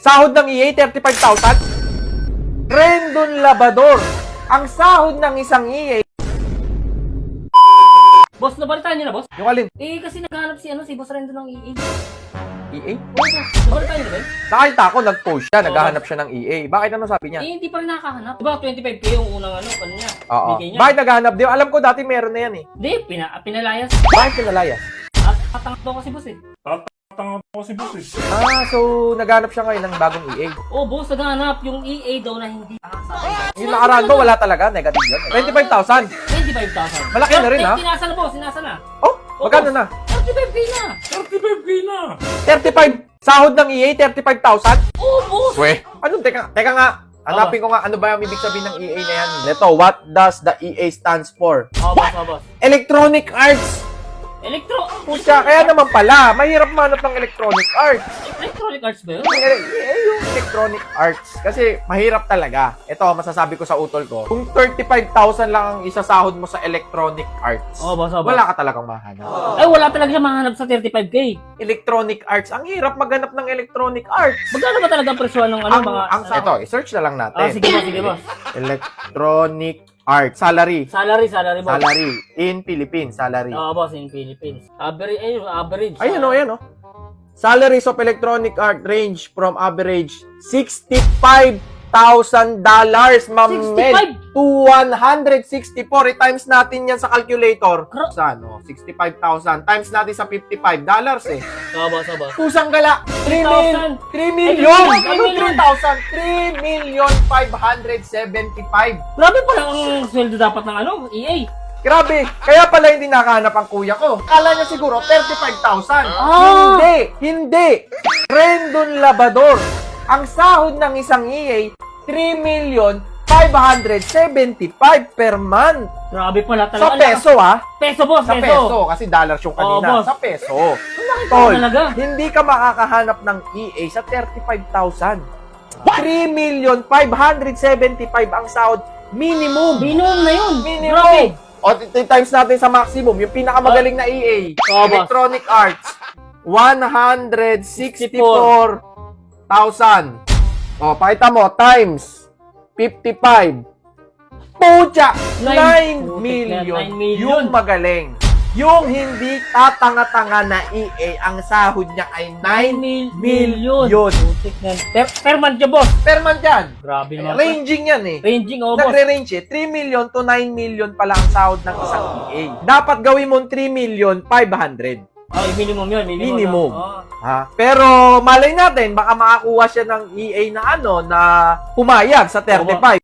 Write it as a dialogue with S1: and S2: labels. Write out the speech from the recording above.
S1: Sahod ng EA, 35,000. Rendon Labador. Ang sahod ng isang EA.
S2: Boss, nabalitaan niyo na, boss?
S1: Yung alin?
S2: Eh, kasi naghahanap si Boss Rendo ng EA.
S1: EA?
S2: Oo, boss. Nabalitaan niyo na ba?
S1: Nakita ko, nag-post siya, naghahanap siya ng EA. Bakit ano sabi niya?
S2: Eh, hindi pa rin nakakahanap. Diba, 25K yung unang niya.
S1: Oo.
S2: Bigay niya.
S1: Bakit naghahanap din? Alam ko dati meron na yan eh.
S2: Hindi, pinalayas.
S1: Bakit pinalayas?
S2: Tatangak daw kasi, boss eh.
S3: Tanga po si boss eh.
S1: So naghahanap siya ngayon ng bagong EA.
S2: Oh, boss, naghahanap yung EA daw na hindi nakasama.
S1: Yung nakaraan ko, wala talaga. Negative yun. 25,000.
S2: 25,000.
S1: Malaki na rin, ha?
S2: Sinasa na, boss. Sinasa na.
S1: Oh, magkano na?
S2: 35K na.
S3: 35K na!
S1: 35. Sahod ng EA, 35,000?
S2: Oh, boss.
S1: Weh. Anong, teka nga. Hanapin ko nga, ano ba yung ibig sabihin ng EA na yan? Ito, what does the EA stands for?
S2: Oh, boss.
S1: Electronic Arts. Pucha, kaya naman pala, mahirap manap ng Electronic Arts.
S2: Electronic Arts ba yun?
S1: Yung Electronic Arts. Kasi mahirap talaga. Ito, masasabi ko sa utol ko. Kung 35,000 lang ang isasahod mo sa Electronic Arts,
S2: Oh, boss.
S1: wala ka talagang mahanap.
S2: Ay, wala talaga siya mahanap sa 35K.
S1: Electronic Arts, ang hirap maghanap ng Electronic Arts.
S2: Magkano ba talaga ang presyo ng
S1: Ito, i-search na lang natin.
S2: sige, boss.
S1: Electronic Arts. Salary.
S2: Salary, boss.
S1: Salary. In Philippines, salary.
S2: Boss, in Philippines. Average.
S1: Ayan o. Salaries of Electronic Art range from average $65,000, Ma'am Mel, to 164. I-times natin yan sa calculator. Sa 65,000. Times natin sa $55 eh.
S2: Boss.
S1: Pusang gala. 3 million. Ano 3,000? 3,575,000.
S2: Grabe pala ang sweldo dapat ng EA.
S1: Grabe. Kaya pala hindi nakahanap ang kuya ko. Kala niya siguro 35,000. Hindi. Rendon Labador. Ang sahod ng isang EA, 3,575,000 per month.
S2: Grabe pala
S1: Sa
S2: talaga.
S1: peso ha?
S2: Peso, boss.
S1: Sa peso. Kasi dollars yung kanina.
S2: Boss.
S1: Sa peso.
S2: Bakit
S1: Tol,
S2: talaga?
S1: hindi ka makakahanap ng EA sa 35,000. 3,575,000 ang sahod. Minimum.
S2: Minimum na yun.
S1: Minimum.
S2: Grabe.
S1: O, times natin sa maximum. Yung pinakamagaling na EA.
S2: boss.
S1: Electronic Arts. 164,000. O, pakita mo. Times 55. Pucha! 9 million.
S2: 9 million.
S1: Yung magaling. Yung hindi tatanga-tanga na EA, ang sahod niya ay 9 million.
S2: Putik na. Per month yan, boss.
S1: Per month yan.
S2: Grabe naman.
S1: Ranging yan eh.
S2: Ranging, boss.
S1: Nagre-range eh. 3 million to 9 million pala ang sahod ng isang EA. Dapat gawin mo 3,500,000.
S2: Minimum yun.
S1: Minimum.
S2: Oh.
S1: Ha? Pero malay natin, baka makakuha siya ng EA na na pumayag sa 35.